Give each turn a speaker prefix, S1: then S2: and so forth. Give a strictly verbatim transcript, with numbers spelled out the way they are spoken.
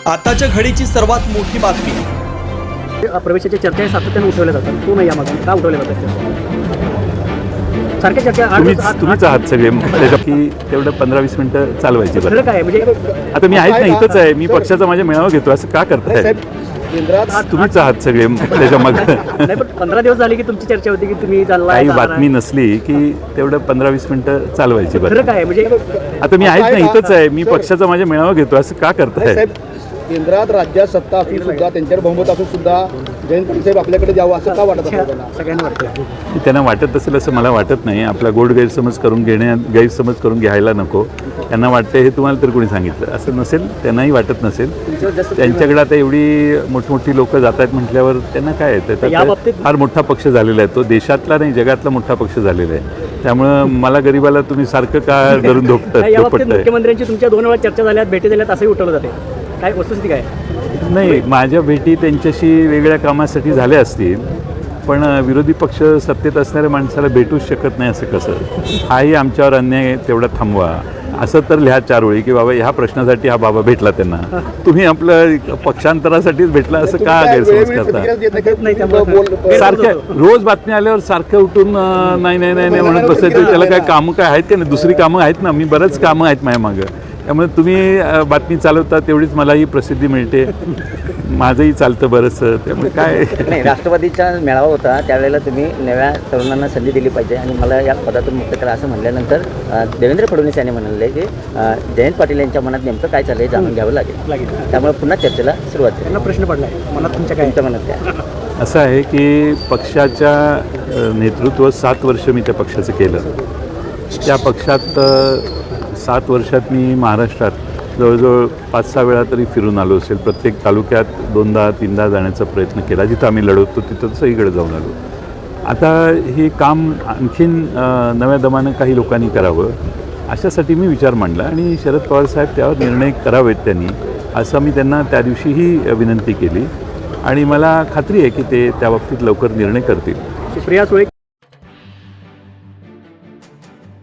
S1: आताच्या घडीची सर्वात मोठी बातमी.
S2: प्रवेशाच्या चर्चा सातत्याने उठवल्या जातात, तो नाही यामागून का उठवल्या जातात सारख्या चर्चा?
S3: तुम्हीच तुम्हीच आहात सगळे त्याच्या की तेवढं पंधरा वीस मिनिटं चालवायची. बरं
S2: काय म्हणजे
S3: आता मी आहेत ना, इथंच आहे, मी पक्षाचा माझ्या मेळावा घेतो, असं का करताय? तुम्हीच आहात सगळे त्याच्या मग.
S2: नाही पण पंधरा दिवस झाले की तुमची चर्चा होती की तुम्ही
S3: काही बातमी नसली की तेवढं पंधरा वीस मिनिटं चालवायची. बरं
S2: काय म्हणजे
S3: आता मी आहेत ना, इथंच आहे, मी पक्षाचा माझ्या मेळावा घेतो, असं का करताय?
S4: केंद्रात राज्यात सत्ता असून सुद्धा त्यांच्यावर बहुमत असून सुद्धा जयंत पाटील साहेब आपल्याकडे जावं असं का वाटत असेल?
S2: सगळ्यांना वाटतं
S3: त्यांना वाटत असेल असं मला वाटत नाही. आपला गोड गैरसमज करून घेण्या गैरसमज करून घ्यायला नको. त्यांना वाटतं हे तुम्हाला तर कोणी सांगितलं असं नसेल, त्यांनाही वाटत नसेल. त्यांच्याकडे आता एवढी मोठमोठी लोक जात आहेत म्हटल्यावर त्यांना काय येतं? फार मोठा पक्ष झालेला आहे तो, देशातला नाही जगातला मोठा पक्ष झालेला आहे. त्यामुळं मला गरीबाला तुम्ही सारखं का धरून धोपतात?
S2: मुख्यमंत्र्यांची तुमच्या दोन वेळा चर्चा झाल्यात, भेटी झाल्यात, असंही उठवलं जाते. काय वस्तुस्थिती काय?
S3: नाही, माझ्या भेटी त्यांच्याशी वेगळ्या कामासाठी झाल्या असतील, पण विरोधी पक्ष सत्तेत असणाऱ्या माणसाला भेटूच शकत नाही असं कसं? हाही आमच्यावर अन्याय तेवढा थांबवा असं तर लिहा चार वेळी की बाबा ह्या प्रश्नासाठी हा बाबा भेटला त्यांना. तुम्ही आपलं पक्षांतरासाठीच भेटला असं का गैरसमज करता? सारख्या रोज बातमी आल्यावर सारखं उठून नाही नाही नाही म्हणत बसायचं. त्याला काय कामं काय आहेत का नाही? दुसरी कामं आहेत ना, मी बरंच कामं आहेत माझ्या मागं. त्यामुळे तुम्ही बातमी चालवता तेवढीच मलाही प्रसिद्धी मिळते, माझंही चालतं बरंचसं. त्यामुळे काय
S5: नाही, राष्ट्रवादीचा मेळावा होता त्यावेळेला तुम्ही नव्या तरुणांना संधी दिली पाहिजे आणि मला या पदातून मुक्त करा असं म्हणल्यानंतर देवेंद्र फडणवीस यांनी म्हणाले की जयंत पाटील यांच्या मनात नेमकं काय चाललंय जाणून घ्यावं लागेल. त्यामुळे पुन्हा चर्चेला सुरुवात झाली.
S2: त्यांना प्रश्न पडला आहे मनात तुमच्या काय?
S5: तुमच्या मनात काय?
S3: असं आहे की पक्षाच्या नेतृत्व सात वर्ष मी त्या पक्षाचं केलं. त्या पक्षात सात वर्षात मी महाराष्ट्रात जवळजवळ पाच सहा वेळा तरी फिरून आलो असेल. प्रत्येक तालुक्यात दोनदा तीनदा जाण्याचा प्रयत्न केला. जिथं आम्ही लढवतो तिथं सगळीकडे जाऊन आलो. आता हे काम आणखीन नव्या दमानं काही लोकांनी करावं अशासाठी मी विचार मांडला आणि शरद पवार साहेब त्यावर निर्णय करावेत त्यांनी, असं मी त्यांना त्या दिवशीही विनंती केली आणि मला खात्री आहे की ते त्या बाबतीत लवकर निर्णय करतील.
S2: सुप्रिया सुळे